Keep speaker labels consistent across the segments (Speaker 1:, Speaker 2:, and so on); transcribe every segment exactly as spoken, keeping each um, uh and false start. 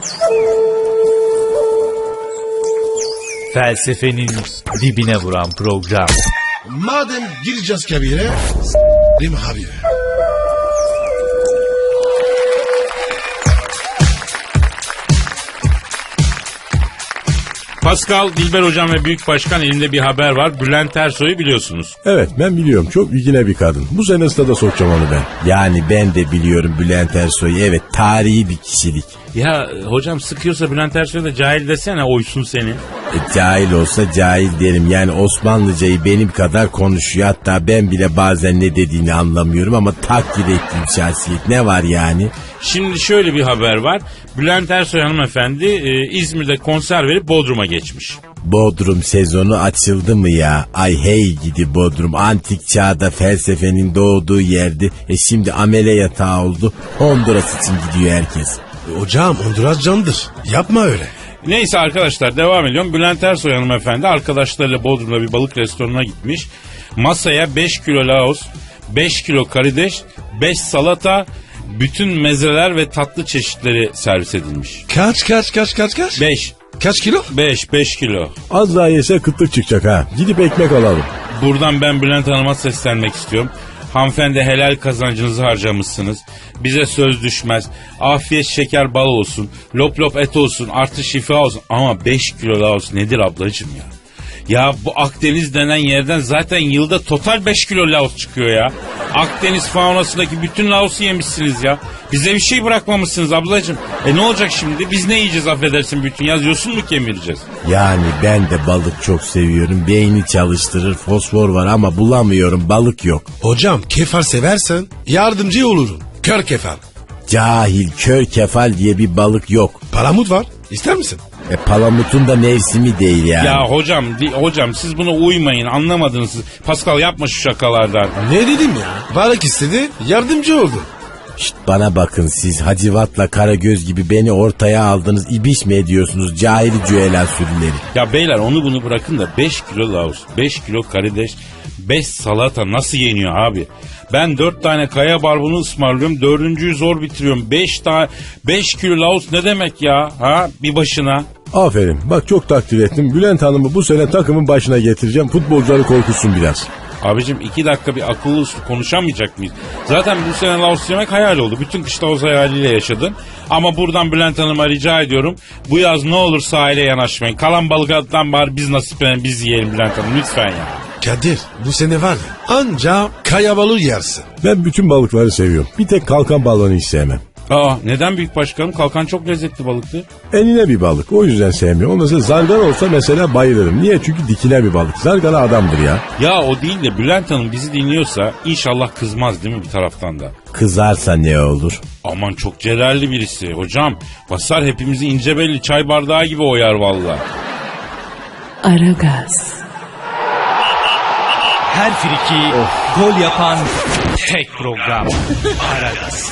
Speaker 1: Felsefenin dibine vuran program.
Speaker 2: Madem gireceğiz kabire, s***rim habire.
Speaker 3: Pascal, Dilber Hocam ve Büyük Başkan, elimde bir haber var. Bülent Ersoy'u biliyorsunuz.
Speaker 4: Evet, ben biliyorum. Çok ilgine bir kadın. Bu sene stada sokacağım onu ben. Yani ben de biliyorum Bülent Ersoy'u. Evet, tarihi bir kişilik.
Speaker 3: Ya hocam, sıkıyorsa Bülent Ersoy'a da cahil desene, oysun seni.
Speaker 4: E, cahil olsa cahil derim. Yani Osmanlıcayı benim kadar konuşuyor. Hatta ben bile bazen ne dediğini anlamıyorum ama takdir ettiğim şahsiyet. Ne var yani?
Speaker 3: Şimdi şöyle bir haber var. Bülent Ersoy hanımefendi e, İzmir'de konser verip Bodrum'a geçmiş.
Speaker 4: Bodrum sezonu açıldı mı ya? Ay hey gidi Bodrum. Antik çağda felsefenin doğduğu yerdi. E şimdi amele yatağı oldu. Honduras için gidiyor herkes.
Speaker 2: Hocam Honduras candır. Yapma öyle.
Speaker 3: Neyse arkadaşlar, devam ediyorum. Bülent Ersoy hanımefendi arkadaşlarıyla Bodrum'da bir balık restoranına gitmiş. Masaya beş kilo laos, beş kilo karides, beş salata, bütün mezeler ve tatlı çeşitleri servis edilmiş.
Speaker 2: Kaç kaç kaç kaç kaç?
Speaker 3: beş.
Speaker 2: Kaç kilo?
Speaker 3: beş, beş kilo.
Speaker 4: Az daha yese kıtlık çıkacak ha. Gidip ekmek alalım.
Speaker 3: Buradan ben Bülent Hanım'a seslenmek istiyorum. Hanımefendi, helal kazancınızı harcamışsınız. Bize söz düşmez. Afiyet şeker bal olsun. Lop lop et olsun. Artı şifa olsun. Ama beş kilo laos nedir ablacığım ya? Ya bu Akdeniz denen yerden zaten yılda total beş kilo laos çıkıyor ya. Akdeniz faunasındaki bütün laosu yemişsiniz ya. Bize bir şey bırakmamışsınız ablacığım. E ne olacak şimdi? Biz ne yiyeceğiz affedersin bütün yaz? Yosun mu kemireceğiz?
Speaker 4: Yani ben de balık çok seviyorum. Beyni çalıştırır, fosfor var ama bulamıyorum. Balık yok.
Speaker 2: Hocam kefal seversen yardımcı olurum. Kör kefal.
Speaker 4: Cahil, kör kefal diye bir balık yok.
Speaker 2: Palamut var. İster misin?
Speaker 4: E palamutun da mevsimi değil yani.
Speaker 3: Ya hocam, di, hocam siz buna uymayın, anlamadınız siz. Pascal, yapma şu şakalardan.
Speaker 2: Ne dedim ya? Balık istedi, yardımcı oldu.
Speaker 4: Şşt, bana bakın, siz Hacivat'la Karagöz gibi beni ortaya aldınız. İbiş mi ediyorsunuz cahili cüela sürüleri?
Speaker 3: Ya beyler, onu bunu bırakın da beş kilo laos, beş kilo karides, beş salata nasıl yeniyor abi? Ben dört tane kaya barbunu ısmarlıyorum, dördüncüyü zor bitiriyorum. beş tane beş kilo laos ne demek ya? Ha, bir başına.
Speaker 4: Aferin, bak çok takdir ettim. Bülent Hanım'ı bu sene takımın başına getireceğim. Futbolcuları korkutsun biraz.
Speaker 3: Abicim, iki dakika bir akıllı uslu konuşamayacak mıyız? Zaten bu sene laos yemek hayal oldu. Bütün kış laos hayaliyle yaşadın. Ama buradan Bülent Hanım'a rica ediyorum. Bu yaz ne olur sahile yanaşmayın. Kalan balıklardan bari biz nasiplenelim, biz yiyelim Bülent Hanım lütfen ya.
Speaker 2: Kadir, bu sene var ya, anca kaya balığı yersin.
Speaker 4: Ben bütün balıkları seviyorum. Bir tek kalkan balığını hiç sevmem.
Speaker 3: Aa, neden büyük başkanım? Kalkan çok lezzetli balıktı.
Speaker 4: Enine bir balık, o yüzden sevmiyorum. O mesela zargana olsa mesela bayılırım. Niye? Çünkü dikine bir balık. Zargana adamdır ya.
Speaker 3: Ya o değil de Bülent Hanım bizi dinliyorsa inşallah kızmaz değil mi bir taraftan da?
Speaker 4: Kızarsa ne olur?
Speaker 3: Aman, çok celalli birisi. Hocam basar, hepimizi ince belli çay bardağı gibi oyar vallahi.
Speaker 5: Aragaz.
Speaker 1: Her friki gol yapan tek program. Aragaz.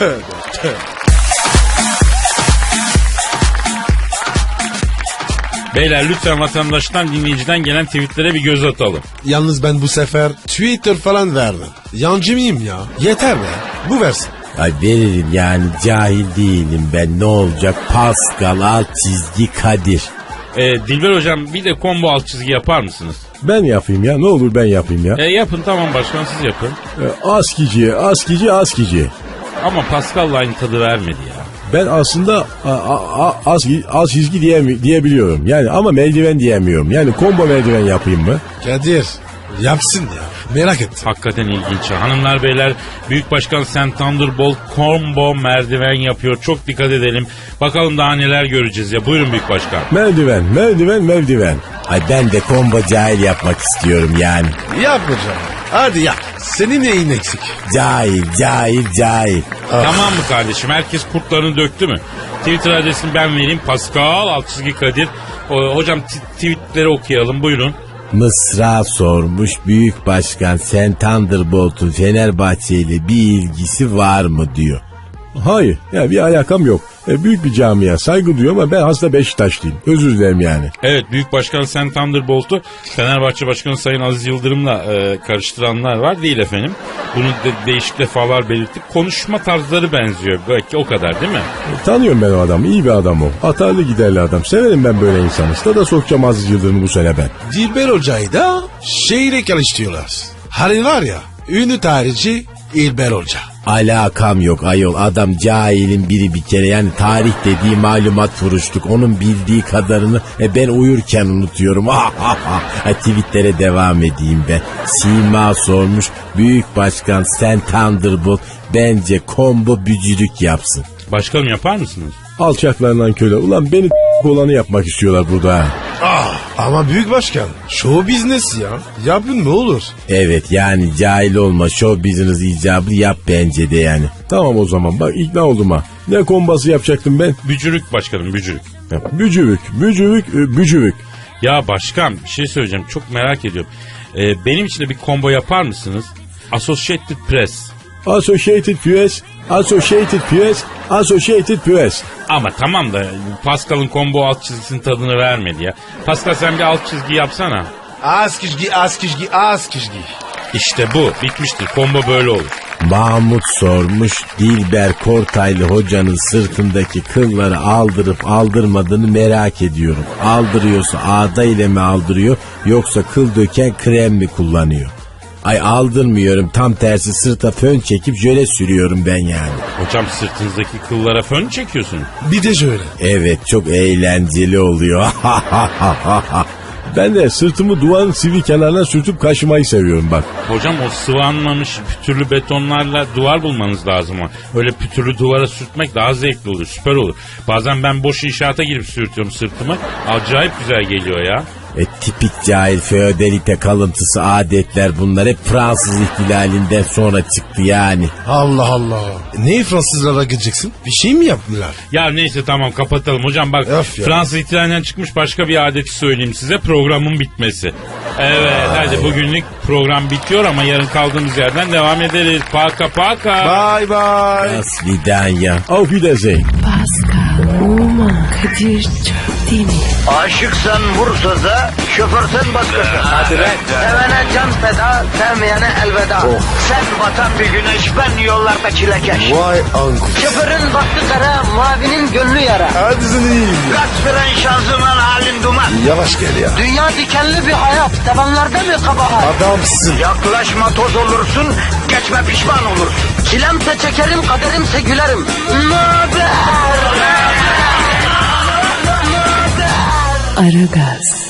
Speaker 3: Beyler, lütfen vatandaştan, dinleyiciden gelen tweetlere bir göz atalım.
Speaker 2: Yalnız ben bu sefer Twitter falan vermem. Yancı mıyım ya? Yeter be. Bu versin.
Speaker 4: Ay veririm yani, cahil değilim ben, ne olacak? Pascal alt çizgi Kadir.
Speaker 3: Ee, Dilber hocam, bir de combo alt çizgi yapar mısınız?
Speaker 4: Ben yapayım ya, ne olur ben yapayım ya.
Speaker 3: E, yapın tamam başkan, siz yapın.
Speaker 4: E, askici, askici, askici.
Speaker 3: Ama Pascal'la aynı tadı vermedi ya.
Speaker 4: Ben aslında a, a, a, az, az çizgi diye, diyebiliyorum. Yani ama merdiven diyemiyorum. Yani combo merdiven yapayım mı?
Speaker 2: Kadir, yapsın ya. Merak et.
Speaker 3: Hakikaten ilginç. Hanımlar beyler, Büyük Başkan Sen Thunderbolt combo merdiven yapıyor. Çok dikkat edelim. Bakalım daha neler göreceğiz ya. Buyurun Büyük Başkan.
Speaker 4: Merdiven, merdiven, merdiven. Ay ben de combo cahil yapmak istiyorum yani.
Speaker 2: Yap hocam. Hadi yap. Senin neyin eksik?
Speaker 4: Cahil, cahil, cahil.
Speaker 3: Tamam mı kardeşim? Herkes kurtlarını döktü mü? Twitter adresini ben vereyim. Pascal alt çizgi Kadir. O, hocam t- tweetleri okuyalım. Buyurun.
Speaker 4: Mısra sormuş, Büyük Başkan Sen Thunderbolt'un Fenerbahçe ile bir ilgisi var mı diyor. Hayır. Ya bir alakam yok. E, büyük bir camia. Saygı duyuyorum ama ben hasta Beşiktaşlıyım. Özür dilerim yani.
Speaker 3: Evet, Büyük Başkan Sen Thunderbolt'u Fenerbahçe Başkanı Sayın Aziz Yıldırım'la e, karıştıranlar var, değil efendim. Bunu de, değişik defalar belirttik. Konuşma tarzları benziyor. Belki o kadar değil mi?
Speaker 4: E, tanıyorum ben o adamı. İyi bir adam o. Atarlı giderli adam. Severim ben böyle insanı. Stada sokacağım Aziz Yıldırım'ı bu sene ben.
Speaker 2: Dilber Hoca'yı da şehre karıştırıyorlar. Hani var ya ünlü tarihçi İlber Hoca.
Speaker 4: Alakam yok ayol, adam cahilin biri bir kere, yani tarih dediği malumat furuşluk, onun bildiği kadarını e, ben uyurken unutuyorum. Ha, tweetlere devam edeyim ben. Sima sormuş, Büyük Başkan Sen Thunderbolt bence combo bücürük yapsın.
Speaker 3: Başkanım, yapar mısınız?
Speaker 4: Alçaklarından köle, ulan beni olanı yapmak istiyorlar burada. Ha.
Speaker 2: Ah, ama büyük başkan show business ya. Yapın ne olur.
Speaker 4: Evet, yani cahil olma, show business icabı yap bence de yani. Tamam o zaman, bak ikna oldum ha. Ne kombası yapacaktım ben?
Speaker 3: Bücürük başkanım, bücürük.
Speaker 4: Bücürük, bücürük, e, bücürük.
Speaker 3: Ya başkan, bir şey söyleyeceğim, çok merak ediyorum. Ee, benim için de bir combo yapar mısınız? Associated Press.
Speaker 4: Associated Press, Associated Press, Associated Press.
Speaker 3: Ama tamam da Pascal'ın combo alt çizgisinin tadını vermedi ya. Pascal, sen bir alt çizgi yapsana.
Speaker 2: Az kişgi, az kişgi, az kişgi.
Speaker 3: İşte bu bitmiştir. Combo böyle olur.
Speaker 4: Mahmut sormuş, Dilber Kortaylı hocanın sırtındaki kılları aldırıp aldırmadığını merak ediyorum. Aldırıyorsa ağda ile mi aldırıyor, yoksa kıl döken krem mi kullanıyor? Ay aldırmıyorum, tam tersi sırta fön çekip jöle sürüyorum ben yani.
Speaker 3: Hocam, sırtınızdaki kıllara fön mü çekiyorsun?
Speaker 2: Bir de şöyle.
Speaker 4: Evet, çok eğlenceli oluyor. Ben de sırtımı duvarın sivri kenarına sürtüp kaşımayı seviyorum bak.
Speaker 3: Hocam, o sıvanmamış pütürlü betonlarla duvar bulmanız lazım ama. Öyle pütürlü duvara sürtmek daha zevkli olur, süper olur. Bazen ben boş inşaata girip sürtüyorum sırtımı. Acayip güzel geliyor ya.
Speaker 4: E, tipik cahil feodalite kalıntısı adetler bunlar, hep Fransız ihtilalinden sonra çıktı yani.
Speaker 2: Allah Allah. Ne Fransızlara gideceksin? Bir şey mi yaptılar?
Speaker 3: Ya neyse, tamam kapatalım. Hocam bak,
Speaker 2: Öf ya.
Speaker 3: Fransız ihtilalinden çıkmış başka bir adeti söyleyeyim size. Programın bitmesi. Evet, hadi bugünlük program bitiyor ama yarın kaldığımız yerden devam ederiz. Paka paka.
Speaker 2: Bye bye.
Speaker 4: Das Vidanya. Auf Wiedersehen.
Speaker 5: Pascal, Oman, Kadir çok değil mi?
Speaker 6: Aşıksan vursa da, şoförsen başkasın. Hadi
Speaker 5: lan.
Speaker 6: Sevene can feda, sevmeyene elveda. Sen batan bir güneş, ben yollarda çilekeş.
Speaker 2: Vay anku.
Speaker 6: Şoförün baktı kara, mavinin gönlü yara.
Speaker 2: Hadi sen iyiyim ya.
Speaker 6: Kasperen şanzıman halin duman.
Speaker 2: Yavaş gel ya.
Speaker 6: Dünya dikenli bir hayat, sevenlerde mi kabahar?
Speaker 2: Adamsın.
Speaker 6: Yaklaşma toz olursun, geçme pişman olursun. Çilemse çekerim, kaderimse gülerim. Möber!
Speaker 5: Aragaz.